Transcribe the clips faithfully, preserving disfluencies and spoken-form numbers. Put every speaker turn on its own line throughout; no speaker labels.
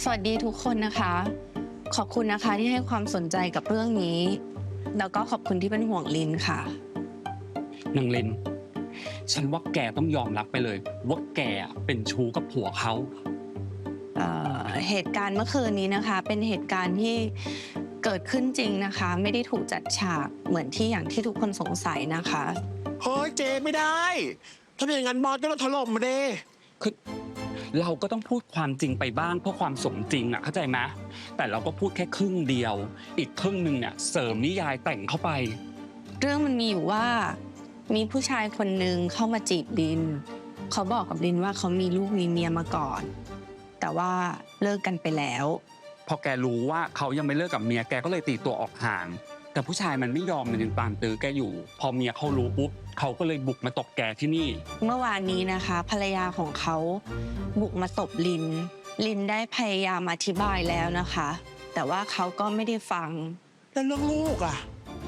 สวัสดีทุกคนนะคะ ขอบคุณนะคะที่ให้ความสนใจกับเรื่องนี้ แล้วก็ขอบคุณที่เป็นห่วงลินค่ะ
นางลินฉันว่าแกต้องยอมรับไปเลยว่าแกเป็นชู้กับผัวเขา
เอ่อเหตุการณ์เมื่อคืนนี้นะคะ เป็นเหตุการณ์ที่เกิดขึ้นจริงนะคะ ไม่ได้ถูกจัดฉากเหมือนที่อย่างที่ทุกคนสงสัยนะคะ
เฮ้ยเจไม่ได้ถ้าเป็นอย่างนั้นบอสก็ต้องถล่มมาเด้
คือเราก็ต้องพูดความจริงไปบ้างเพื่อความสมจริงอ่ะเข้าใจไหมแต่เราก็พูดแค่ครึ่งเดียวอีกครึ่งหนึ่งเนี่ยเสริมนิยายแต่งเข้าไป
เรื่องมันมีอยู่ว่ามีผู้ชายคนหนึ่งเข้ามาจีบลินเขาบอกกับลินว่าเขามีลูกมีเมียมาก่อนแต่ว่าเลิกกันไปแล้ว
พอแกรู้ว่าเขายังไม่เลิกกับเมียแกก็เลยตีตัวออกห่างแต่ผู้ชายมันไม่ยอมมันยังตามตื้อแกอยู่พอเมียเขารู้ปุ๊บเขาก็เลยบุกมาตบแกที่นี่
เมื่อวานนี้นะคะภรรยาของเขาบุกมาตบลินลินได้พยายามอธิบายแล้วนะคะแต่ว่าเขาก็ไม่ได้ฟัง
แล้วเรื่องลูกอ่ะ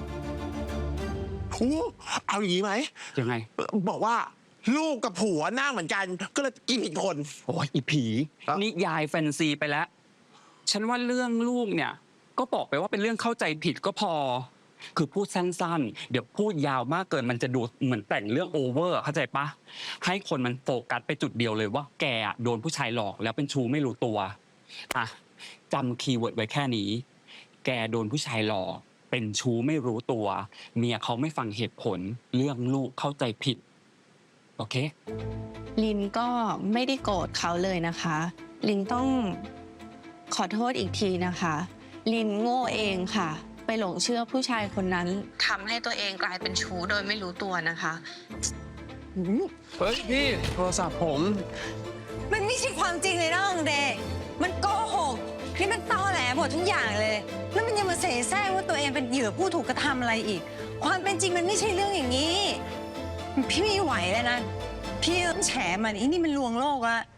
หูเอาอย่างนี้ไหม
ยังไง
บอกว่าลูกกับผัวหน้าเหมือนกันก็เลยกินอีกคน
โอ้ยอีผีนิยายแฟนซีไปแล้วฉันว่าเรื่องลูกเนี่ยก็บอกไปว่าเป็นเรื่องเข้าใจผิดก็พอคือพูดสั้นๆเดี๋ยวพูดยาวมากเกินมันจะดูเหมือนแต่งเรื่องโอเวอร์เข้าใจปะให้คนมันโฟกัสไปจุดเดียวเลยว่าแกโดนผู้ชายหลอกแล้วเป็นชู้ไม่รู้ตัวอ่ะจำคีย์เวิร์ดไว้แค่นี้แกโดนผู้ชายหลอกเป็นชู้ไม่รู้ตัวเมียเขาไม่ฟังเหตุผลเรื่องลูกเข้าใจผิดโอเค
ลินก็ไม่ได้โกรธเขาเลยนะคะลินต้องขอโทษอีกทีนะคะลินโง่เองค่ะไปหลงเชื่อผู้ชายคนนั้นทำให้ตัวเองกลายเป็นชู้โดยไม่รู้ตัวนะคะ
เฮ้ยพี่โทรศัพท์ผม
มันไม่ใช่ความจริงเลยนะองเดย์มันโกหกนี่มันตอแหลหมดทุกอย่างเลยแล้วมันยังมาเสแสร้งว่าตัวเองเป็นเหยื่อผู้ถูกกระทำอะไรอีกความเป็นจริงมันไม่ใช่เรื่องอย่างนี้พี่ไม่ไหวแล้วนะพี่ต้องแฉมันอีนี่มันลวงโลกอะ